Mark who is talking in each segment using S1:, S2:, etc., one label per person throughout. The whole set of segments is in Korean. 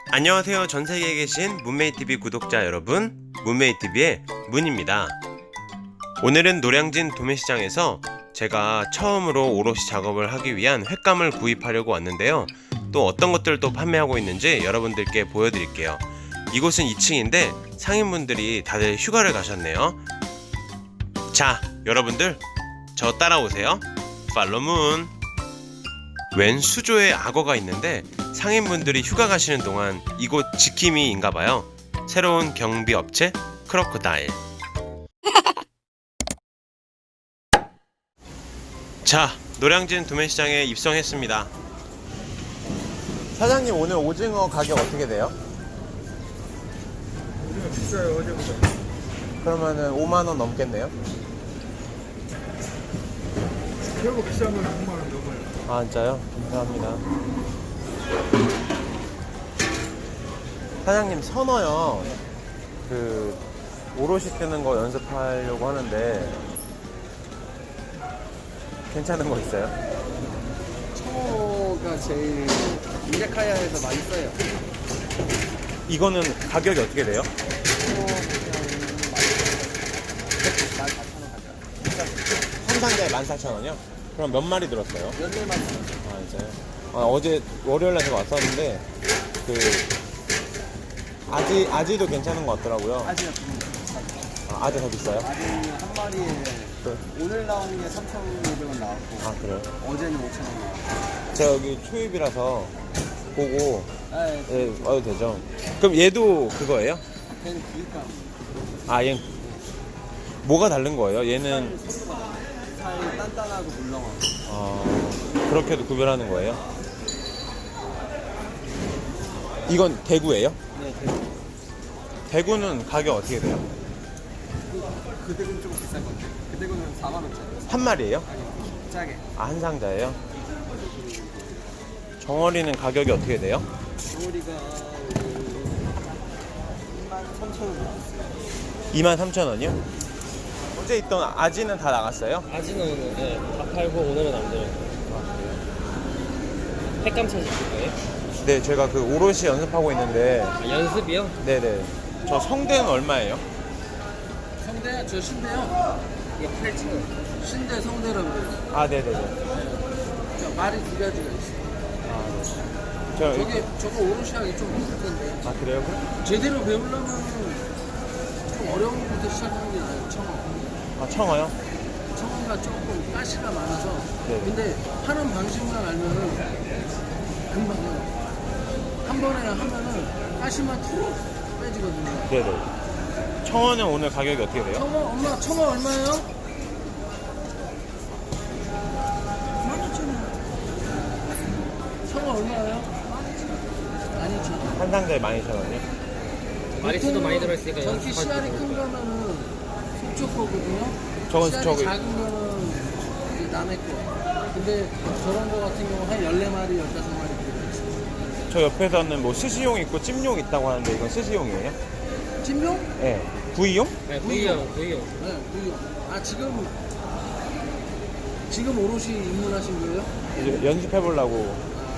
S1: 안녕하세요. 전세계에 계신 문메이TV 구독자 여러분, 문메이TV의 문입니다. 오늘은 노량진 도매시장에서 제가 처음으로 오롯이 작업을 하기 위한 횟감을 구입하려고 왔는데요. 또 어떤 것들도 판매하고 있는지 여러분들께 보여드릴게요. 이곳은 2층인데 상인분들이 다들 휴가를 가셨네요. 자, 여러분들 저 따라오세요. 팔로문. 웬 수조에 악어가 있는데 상인분들이 휴가 가시는 동안 이곳 지킴이인가봐요. 새로운 경비업체 크로코다일. 자, 노량진 도매시장에 입성했습니다. 사장님, 오늘 오징어 가격 어떻게 돼요?
S2: 오징어 비싸요, 어제보다.
S1: 그러면은 5만원 넘겠네요?
S2: 최고 비싼 건 6만원 넘어요.
S1: 아, 진짜요? 감사합니다. 사장님, 선어요. 오롯이 뜨는 거 연습하려고 하는데 괜찮은 거 있어요?
S3: 청어가 제일 인제카야에서 많이 써요.
S1: 이거는 가격이 어떻게 돼요?
S3: 청어 그냥 14,000원 가져요.
S1: 한 상자에 14,000원이요? 그럼 몇 마리 들었어요?
S3: 14마리.
S1: 아, 진짜요? 어제 월요일날 제가 왔었는데 아지도 괜찮은 것 같더라고요.
S3: 아지가 좀 비싸요.
S1: 아지 더 비싸요?
S3: 아지는 한 마리에 오늘 나온 게 3,500원 나왔고
S1: 아, 그래요?
S3: 어제는 5,000원 나왔고.
S1: 제가 여기 초입이라서 보고
S3: 네,
S1: 와도 되죠? 그럼 얘도 그거예요?
S3: 걔는 구입감.
S1: 아, 얘는 뭐가 다른 거예요? 얘는
S3: 살 단단하고 물렁하고.
S1: 그렇게도 구별하는 거예요? 이건 대구예요?
S3: 네,
S1: 대구는 가격 어떻게 돼요?
S3: 그 대구는 좀 비싼 건데. 그 대구는 4만원짜리.
S1: 한 마리예요?
S3: 아니, 짜게.
S1: 아, 한 상자예요? 정어리는 가격이 어떻게 돼요?
S3: 정어리가 23,000원 나왔어요.
S1: 23,000원이요? 어제 있던 아지는 다 나갔어요?
S4: 아지는 오늘 다 팔고 오늘은 안 들어요. 횟감 찾으실 거예요?
S1: 네, 제가 오롯이 연습하고 있는데.
S4: 아, 연습이요?
S1: 네네. 저 성대는 얼마예요?
S3: 성대, 저 신대요.
S4: 이거 8,000원.
S3: 신대 성대라고 그래요.
S1: 아, 네네네.
S3: 그러니까 말이 두 가지가 있어요. 저거 오롯이하기 좀 힘들 텐데.
S1: 아, 그래요? 그럼?
S3: 제대로 배우려면 좀 어려운 것부터 시작하는 게 나아요. 청어.
S1: 아, 청어요?
S3: 청어가 조금 가시가 많아서.
S1: 네.
S3: 근데 하는 방식만 알면은 금방 해요. 한 번에 하면은 가시만 툭 빼지거든요.
S1: 네네. 청어는 오늘 가격이 어떻게 돼요?
S3: 청어 얼마예요? 12,000원. 청어 얼마예요? 12,000원.
S1: 한 상자에 12,000원이요?
S4: 마리수도 많이 들어있으니까
S3: 저렇게
S4: 연습할
S3: 씨알이
S4: 때
S3: 큰 거면은 속초 거거든요.
S1: 저건
S3: 씨알이
S1: 저기-
S3: 작은 거는 이제 남의 거. 근데 저런 거 같은 경우 한 14마리, 15마리 들어있어요.
S1: 저 옆에서는 뭐 스시용 있고 찜용 있다고 하는데 이건 스시용이에요?
S3: 찜용?
S1: 네. 구이용?
S4: 네, 구이용.
S3: 네, 구이용. 아, 지금 오롯이 입문하신 거예요?
S1: 이제 연습해보려고.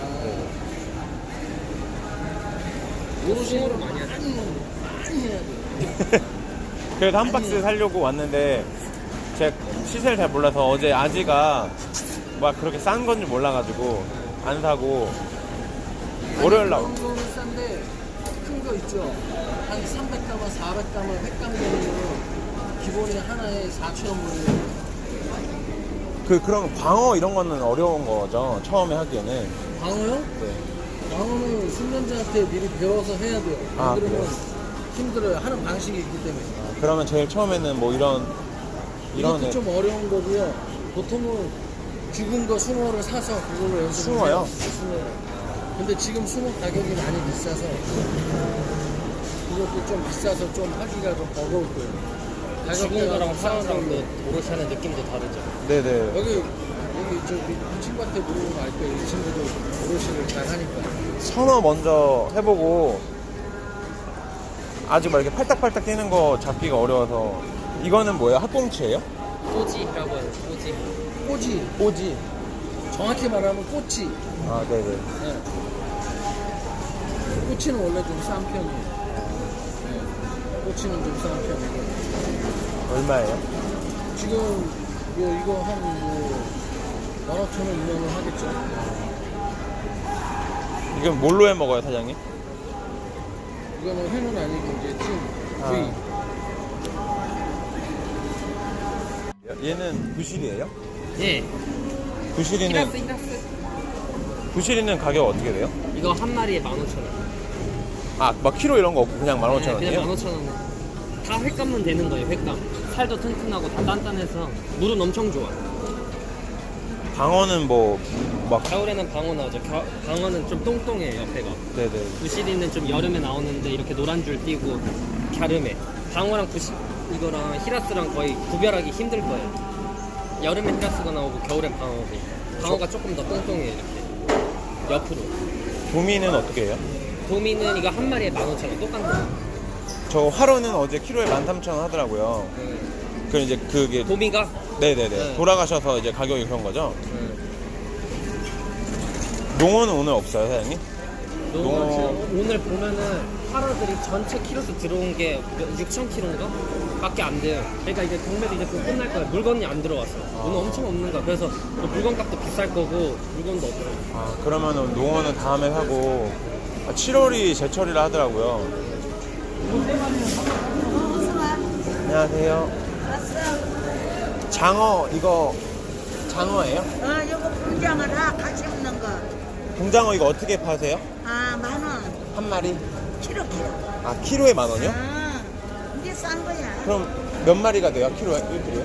S3: 오롯이
S4: 수고를 많이 하죠.
S3: 많이 해야 돼요.
S1: 그래서 한 박스 사려고 왔는데 제가 시세를 잘 몰라서 어제 아지가 막 그렇게 싼 건지 몰라가지고 안 사고 월요일 날.
S3: 그런 거는 싼데 큰 거 있죠. 한 300g만 400g만 횟감 되는 거 기본이 하나에 4,000원.
S1: 그런 광어 이런 거는 어려운 거죠, 처음에 하기에는.
S3: 광어요?
S1: 네.
S3: 광어는 숙련자한테 미리 배워서 해야 돼요. 안
S1: 아,
S3: 그러면
S1: 그래요?
S3: 힘들어요. 하는 방식이 있기 때문에.
S1: 그러면 제일 처음에는 뭐 이런
S3: 이것도 좀 어려운 거고요. 보통은 죽은 거 숭어를 사서 그걸로 연습을
S1: 숭어요?
S3: 해요. 숭어. 근데 지금 숭어 가격이 많이 비싸서 그것도 좀 비싸서 좀 하기가 좀 버거울 거예요.
S4: 죽은 거랑
S3: 싸서
S4: 파는 거랑 오롯이 하는 느낌도 다르죠.
S1: 네네.
S3: 여기 저기 친구한테 물어보면 알 거예요. 이 친구도 오롯이를 잘 하니까.
S1: 선어 먼저 해보고 아직 막 이렇게 팔딱팔딱 뛰는 거 잡기가 어려워서. 이거는 뭐예요? 학꽁치예요?
S4: 꼬지라고 해요. 꼬지.
S3: 꼬지.
S1: 꼬지.
S3: 정확히 말하면 꼬치.
S1: 아, 네네.
S3: 네. 꼬치는 원래 좀 싼 편이에요. 네. 꼬치는 좀 싼 편이고.
S1: 얼마예요?
S3: 지금 이거 한 15,000원, 2만원 하겠죠.
S1: 이건 뭘로 해 먹어요, 사장님?
S3: 이거는 회는 아니고 이제 찜, 구이.
S1: 얘는 부실이에요?
S4: 예.
S1: 부실이는
S4: 히라스.
S1: 부실이는 가격 어떻게 돼요?
S4: 이거 한 마리에 15,000원.
S1: 아, 막 키로 이런 거 없고 그냥 15,000원이에요?
S4: 그냥 15,000원. 다 횟감만 되는 거예요, 횟감. 살도 튼튼하고 다 단단해서 물은 엄청 좋아.
S1: 방어는 뭐 막
S4: 겨울에는 방어 나오죠. 방어는 좀 똥똥해요, 옆에가.
S1: 네네.
S4: 부시리는 좀 여름에 나오는데 이렇게 노란 줄 띄고 갸름해. 방어랑 이거랑 히라스랑 거의 구별하기 힘들 거예요. 여름에 히라스가 나오고 겨울엔 방어고. 방어가 조금 더 똥똥해요, 이렇게. 옆으로.
S1: 도미는 어떻게 해요?
S4: 도미는 이거 한 마리에 15,000원 똑같은 거.
S1: 저 화로는 어제 키로에 13,000원 하더라고요. 그 이제 그게
S4: 도미가?
S1: 네네네.
S4: 네.
S1: 돌아가셔서 이제 가격이 그런 거죠? 농어는 오늘 없어요, 사장님?
S4: 오늘 보면은 파라들이 전체 키로수 들어온 게 6,000kg인가? 밖에 안 돼요. 그러니까 이제 경매도 이제 곧 끝날 거야. 물건이 안 들어왔어. 오늘 엄청 없는 거야. 그래서 물건 값도 비쌀 거고 물건도 없어.
S1: 아, 그러면은 농어는 다음에 사고 7월이 제철이라 하더라고요. 안녕하세요. 장어, 이거 장어예요?
S5: 요거 분장어라 같이 먹는 거.
S1: 공장어 이거 어떻게 파세요?
S5: 10,000원.
S1: 한 마리?
S5: 키로.
S1: 아, 키로에 10,000원이요?
S5: 이게 싼 거야.
S1: 그럼 몇 마리가 돼요? 키로에? 1kg에?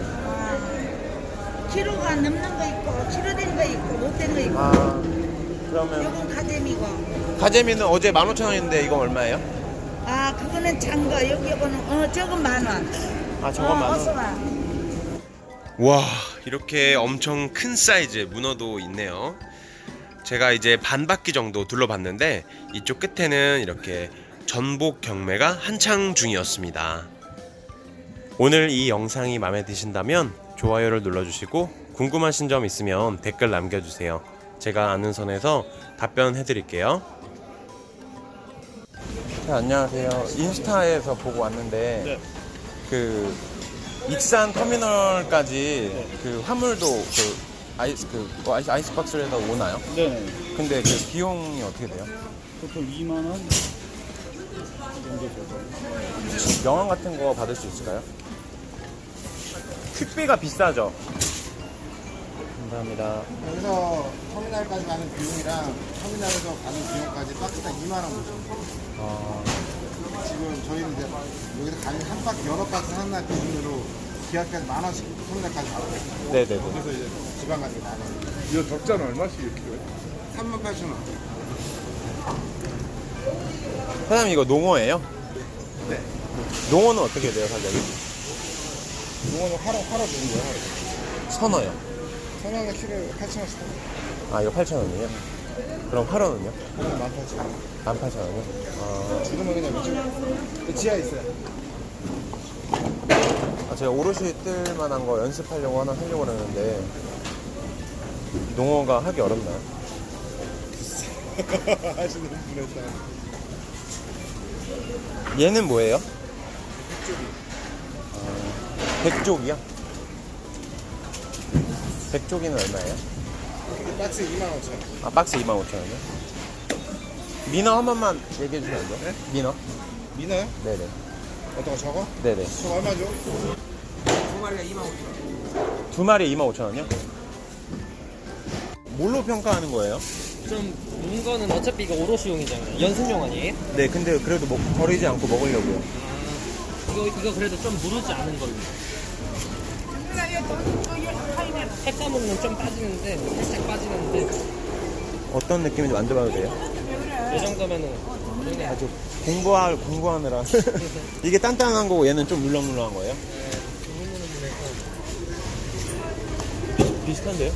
S5: 키로가 넘는 거 있고, 키로 된 거 있고, 못 된 거 있고.
S1: 아, 그러면
S5: 요건 가재미고.
S1: 가재미는 어제 15,000원인데 이건 얼마예요?
S5: 그거는 잔 거. 요거는, 저건 10,000원.
S1: 아, 저건
S5: 어서
S1: 10,000원.
S5: 와.
S6: 와, 이렇게 엄청 큰 사이즈의 문어도 있네요. 제가 이제 반 바퀴 정도 둘러봤는데 이쪽 끝에는 이렇게 전복 경매가 한창 중이었습니다. 오늘 이 영상이 마음에 드신다면 좋아요를 눌러주시고 궁금하신 점 있으면 댓글 남겨주세요. 제가 아는 선에서 답변해드릴게요.
S1: 네, 안녕하세요. 인스타에서 보고 왔는데 그 익산 터미널까지 그 화물도 아이스박스에서 오나요?
S2: 네네.
S1: 근데 그 비용이 어떻게 돼요?
S2: 보통 2만 원 정도 줘서.
S1: 명함 같은 거 받을 수 있을까요? 택배가 비싸죠? 감사합니다.
S7: 여기서 터미널까지 가는 비용이랑 터미널에서 가는 비용까지 박스당 2만 원
S1: 아,
S7: 지금 저희는 이제 여기서 가는 한 바퀴 여러 박스 하나 기준으로 기아까지 10,000원씩 터미널까지 가거든요.
S1: 네네네.
S7: 그래서 이제 지방 가는 게 10,000원.
S2: 이거 적자는 얼마씩 이렇게?
S7: 38,000원.
S1: 사장님 이거 농어예요?
S7: 네.
S1: 농어는 어떻게 돼요, 가격이?
S7: 이거는 화로 주는 거예요, 화로.
S1: 선어요.
S7: 선호는 키로에 8,000원씩 하고.
S1: 아, 이거 8,000원이에요? 그럼 화로는요?
S7: 이거는 18,000원.
S1: 18,000원이요? 아,
S7: 지금은 그냥 이쪽 지하에 있어요.
S1: 제가 오롯이 뜰 만한 거 연습하려고 하나 하려고 그러는데 농어가 하기 어렵나요?
S7: 하시는 분에 따라.
S1: 얘는 뭐예요? 백조기요? 백조기는 얼마예요?
S7: 이게 박스 25,000원.
S1: 아, 박스 25,000원이요? 민어 한 번만 얘기해 주시면 안 돼요?
S7: 네?
S1: 민어?
S7: 미나요?
S1: 네네.
S7: 어떤 거 저거?
S1: 네네.
S7: 저거 얼마죠?
S1: 두 마리에 25,000원이요? 뭘로 평가하는 거예요?
S4: 좀 문거는 어차피 이거 오롯이용이잖아요. 연습용 아니에요?
S1: 네, 근데 그래도 버리지 않고 먹으려고요.
S4: 이거 그래도 좀 무르지 않은 걸로. 횟감은 좀 빠지는데 살짝 빠지는데
S1: 어떤 느낌인지 만져봐도 돼요?
S4: 이 정도면은 그냥
S1: 아주 공부하느라 이게 단단한 거고 얘는 좀 물렁물렁한 거예요? 비슷한데요?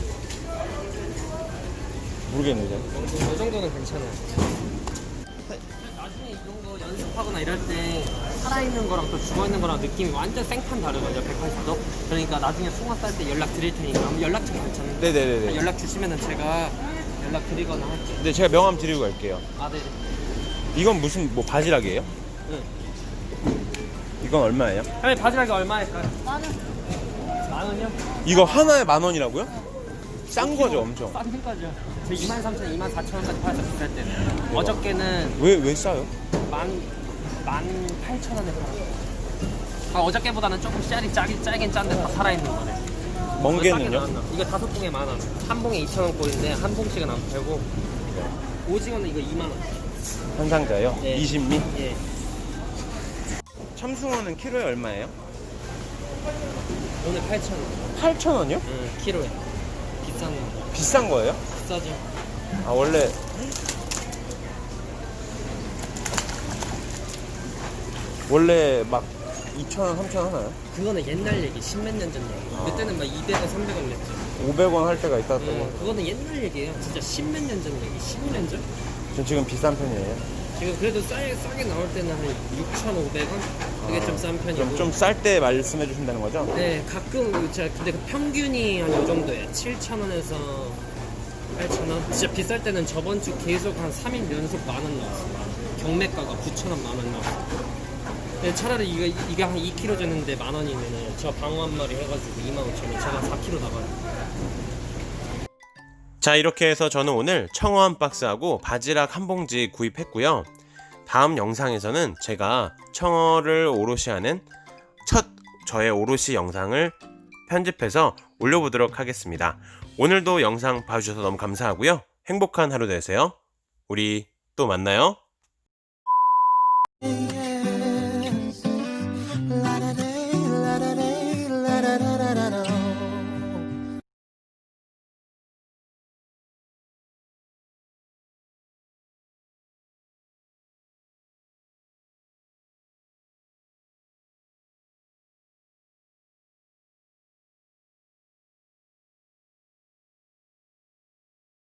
S1: 모르겠네요.
S4: 이 정도는 괜찮아요. 나중에 이런 거 연습하거나 이럴 때 살아있는 거랑 또 죽어있는 거랑 느낌이 완전 생판 다르거든요. 180도. 그러니까 나중에 숭어 쌀 때 연락 드릴 테니까 연락처 괜찮은데
S1: 네네네네.
S4: 연락 주시면은 제가 연락 드리거나 할게요.
S1: 네, 제가 명함 드리고 갈게요.
S4: 아, 네.
S1: 이건 무슨 뭐 바지락이에요?
S4: 응.
S1: 이건 얼마예요?
S4: 아니 바지락이 얼마일까요?
S5: 10,000원.
S4: 10,000원이요?
S1: 이거 하나에 10,000원이라고요? 싼 거죠, 엄청.
S4: 싼 거죠. 저 23,000원, 24,000원까지 팔았어 비쌀 때는. 어저께는
S1: 왜 싸요?
S4: 18,000원에 팔았어. 아, 어저께보다는 조금 짤이 짜긴 짠데 다 살아있는 거네.
S1: 멍게는요?
S4: 이거 5봉에 10,000원. 한 봉에 2,000원 꼴인데 한 봉씩은 안 팔고. 오징어는 이거 2만 원.
S1: 한 상자요?
S4: 예.
S1: 20미?
S4: 예.
S1: 참숭어는 키로에 얼마예요?
S4: 오늘 8,000원.
S1: 8,000원이요?
S4: 응, 키로에. 비싼 거.
S1: 비싼 거예요?
S4: 비싸죠.
S1: 아, 원래 막 2,000원, 3,000원 하나요?
S4: 그거는 옛날 얘기, 십몇 년 전 얘기. 그때는 막 200원, 300원 냈죠.
S1: 500원 할 때가 있다고.
S4: 그거는 옛날 얘기예요. 진짜 십몇 년 전 얘기, 15년 전?
S1: 전 지금 비싼 편이에요.
S4: 지금 그래도 싸게 나올 때는 한 6,500원? 그게 좀 싼 편이고.
S1: 그럼 좀 쌀 때 말씀해 주신다는 거죠?
S4: 네, 가끔 제가 근데 그 평균이 한 요 정도예요. 7,000원에서 8,000원. 진짜 비쌀 때는 저번 주 계속 한 3일 연속 10,000원 나왔어요. 경매가가 9,000원, 10,000원 나왔어요. 근데 차라리 이게 한 2kg 줬는데 10,000원이면은 저 방어 한 마리 해가지고 25,000원. 제가 4kg 나가요.
S6: 자, 이렇게 해서 저는 오늘 청어 한 박스하고 바지락 한 봉지 구입했고요. 다음 영상에서는 제가 청어를 오롯이 하는 첫 저의 오롯이 영상을 편집해서 올려보도록 하겠습니다. 오늘도 영상 봐주셔서 너무 감사하고요. 행복한 하루 되세요. 우리 또 만나요.